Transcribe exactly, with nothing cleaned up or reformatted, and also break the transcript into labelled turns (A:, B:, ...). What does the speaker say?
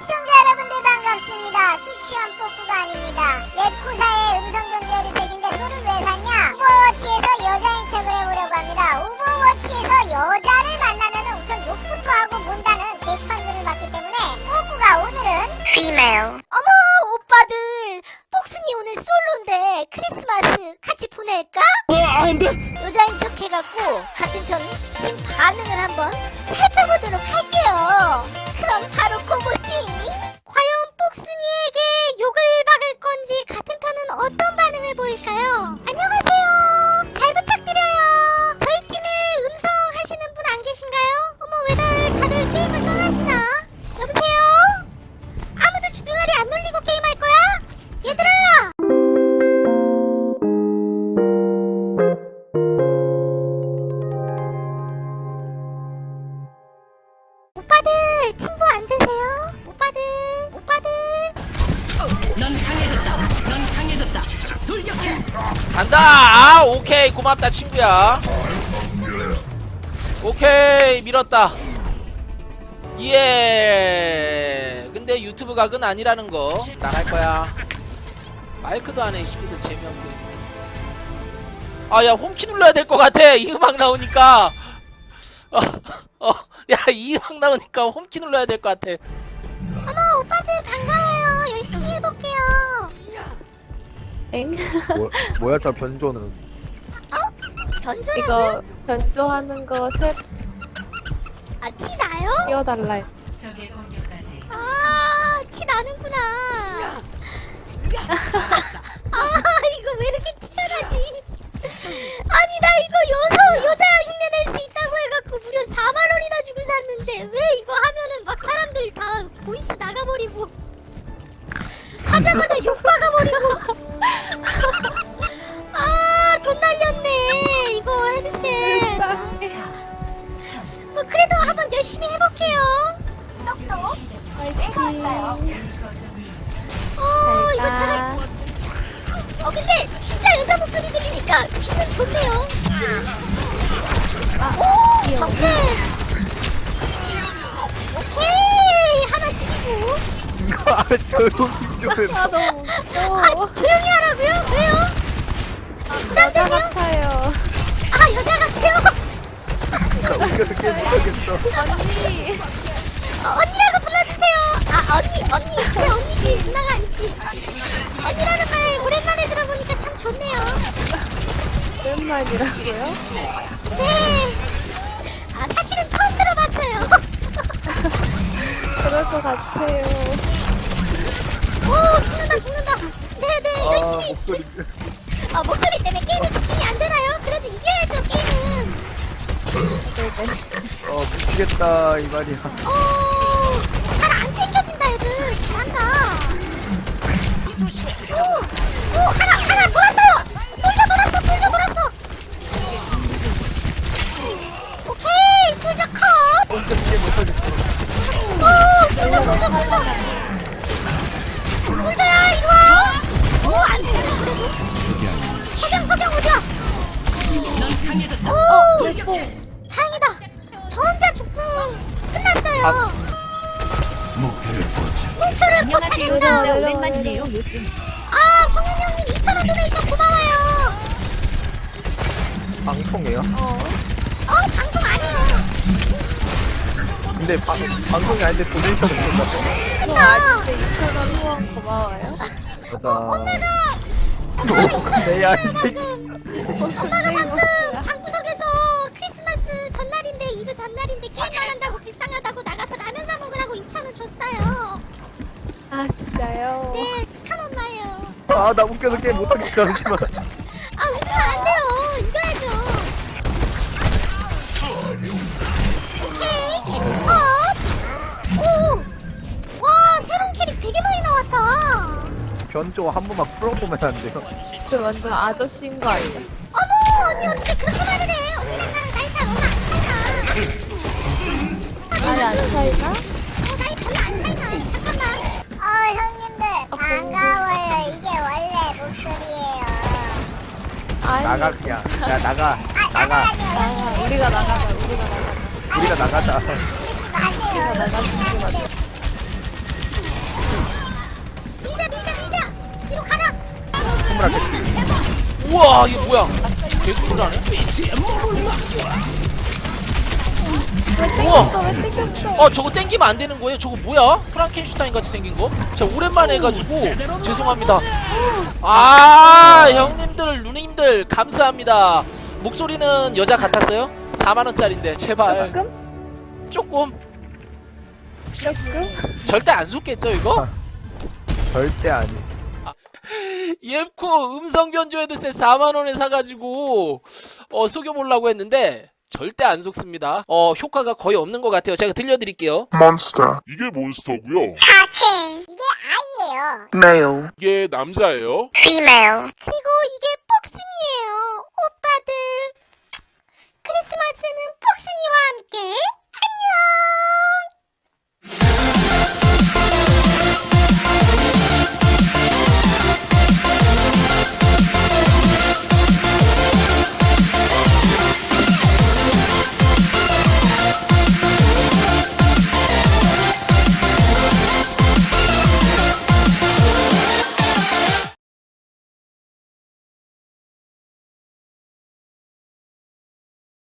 A: 시청자 여러분들 반갑습니다. 수치원 뽀꾸가 아닙니다. 옛 구사의 음성전주 헤드셋인데 소를 왜 샀냐? 오버워치에서 여자인 척을 해보려고 합니다. 오버워치에서 여자를 만나면 우선 욕부터 하고 본다는 게시판들을 봤기 때문에 뽀꾸가 오늘은 female.
B: 어머 오빠들, 복순이 오늘 솔로인데 크리스마스 같이 보낼까?
C: 어, 안돼.
B: 여자인 척 해갖고 같은 편 팀 반응을 한번 살펴보도록 할게요. 그럼 바로 고고싱! 과연 복순이에게 욕을 박을 건지 같은 편은 어떤 반응을 보일까요? 안녕하세요, 잘 부탁드려요. 저희 팀에 음성 하시는 분 안 계신가요? 어머 왜 다- 다들 게임을 떠나시나? 여보세요? 아무도 주둥아리 안 놀리고 게임할 거야? 얘들아! 오빠들 팀보 안 되세요? 오빠들 오빠들
C: 넌 강해졌다. 넌 강해졌다. 돌격해.
D: 간다. 아, 오케이, 고맙다 친구야. 오케이, 밀었다. 예. 근데 유튜브 각은 아니라는 거 나갈 거야. 마이크도 안해. 시키도 재미없게. 아, 야, 홈키 눌러야 될 것 같아. 이 음악 나오니까. 어, 어, 야, 이 음악 나오니까 홈키 눌러야 될 것 같아.
B: 어머 오빠들 반가워요. 열심히 해볼게요.
E: 엥?
F: 뭐, 뭐야 저 변조는.
B: 변조라고요?
E: 이거 변조하는 거 새
B: 아 티 나요?
E: 띄워달라 했-
C: 적의 공격까지.
B: 아 티 나는구나. 아 이거 왜 이렇게 튀어나지? 아니 나 이거 여서 여자 흉내 낼 수 있다고 해갖고 무려 사만 원이나 주고 샀는데 왜 이거 하면은 막 사람들 다 보이스 나가버리고 하자마자 욕 박아버리고. 아 돈 날렸네 이거 헤드셋. 뭐 그래도 한번 열심히 해볼게요. 똑똑.
E: 파이팅.
B: 어 이거 제가 어 근데 진짜 여자 목소리 들리니까 귀는 좋네요. 오
E: 귀여워.
B: 정태. 오케이 하나 죽이고.
F: 아 조용히 좀 해.
E: 아 너무
B: 아
E: 웃겨.
B: 조용히 하라고요? 왜요?
E: 여자
B: 부담되세요?
E: 같아요.
B: 아 여자 같아요?
F: 나 웃겨서 게임 못하겠어.
E: 언니.
B: 어, 언니라고 불러주세요. 아 언니 언니 그래 언니지 누나가 아니지. 언니라는 말 오랜만에 들어보니까 참 좋네요.
E: 오랜만이라고요?
B: 네. 아 사실은 처음 들어봤어요.
E: 그럴 것 같아요.
B: 오 죽는다 죽는다. 네네
F: 아
B: 열심히.
F: 목소리.
B: 아 목소리 때문에 게임에 집중이 안 되나요? 그래도 이겨야죠 게임은.
F: 어 미치겠다 이 말이야.
B: 오잘 안 땡겨진다 애들. 잘한다. 오, 오 하나 하나 돌았어요. 솔져 돌았어 솔져 돌았어. 오케이 솔져 컷.
F: 혼자 게임 못하겠어.
B: 오 솔져 솔져 솔져. 솔져야 이리 와. 오안 죽네 그래도. 석영 석영 어디야?
C: 넌 강해졌다.
B: 오
C: 돌격해.
B: 다행이다. 저 혼자 죽고 끝났어요. 목표를 포착했다.
E: 오랜만이네요 요즘.
B: 아 송현이 형님 이천 원 도네이션 고마워요.
F: 방송이에요?
B: 어 방송 아니에요.
F: 근데 방 방송이 아닌데 도네이션 오는 거 같아.
E: 저 아직도 이천 원 후원 고마워요.
F: 맞아.
B: 엄마가
F: 내야 이 새끼.
B: 엄마가 방금 방구석에서 크리스마스 전날인데 이브 전날인데 게임만 한다고 불쌍하다고 나가서 라면 사 먹으라고 이천 원 줬어요.
E: 아 진짜요?
B: 네 착한 엄마예요.
F: 아나 웃겨서 게임 못하겠어 잠시만.
B: 아 웃으면 안 돼요. 이겨야죠. 오케이 캐치컷. 오와 새로운 캐릭 되게 많이 나왔다.
F: 변조 한 번만 풀어보면 안 돼요?
E: 저 완전 아저씨인 거 아니야?
B: 어머 언니 어떻게 그렇게 말을 해. 언니랑 나랑 나이 차이 얼마 안 차이나.
E: 아니 안 차이나?
B: 어 나이 별로 안 차이나. 잠깐만.
A: 어 형님들 반가워요. 이게 원래 목소리예요.
E: 아니
F: 나가 그냥. 야 나가.
A: 아
F: 나가.
A: 나가라뇨
E: 나가.
A: 형님.
E: 우리가 나가자. 우리가 나가자.
F: 우리가 나가자.
A: 마세요. 열심히 하는데
F: 손브라 개피.
D: 우와 이게 뭐야? 계속 불나네.
E: 왜 땡겼어? 왜 땡겼어?
D: 어 저거 땡기면 안 되는 거예요? 저거 뭐야? 프랑켄슈타인 같이 생긴 거? 제가 오랜만에 해가지고 죄송합니다. 아 형님들 누님들 감사합니다. 목소리는 여자 같았어요? 사만 원짜리인데 제발
E: 조금?
D: 조금
E: 조금?
D: 절대 안 속겠죠 이거?
F: 절대 아니.
D: 이엠코 음성 변조 헤드셋 사만 원에 사가지고 어 속여보려고 했는데 절대 안 속습니다. 어 효과가 거의 없는 것 같아요. 제가 들려드릴게요.
G: 몬스터,
H: 이게 몬스터고요.
A: 하층. 이게 아이예요.
G: 메일,
H: 이게 남자예요.
A: female.
B: 그리고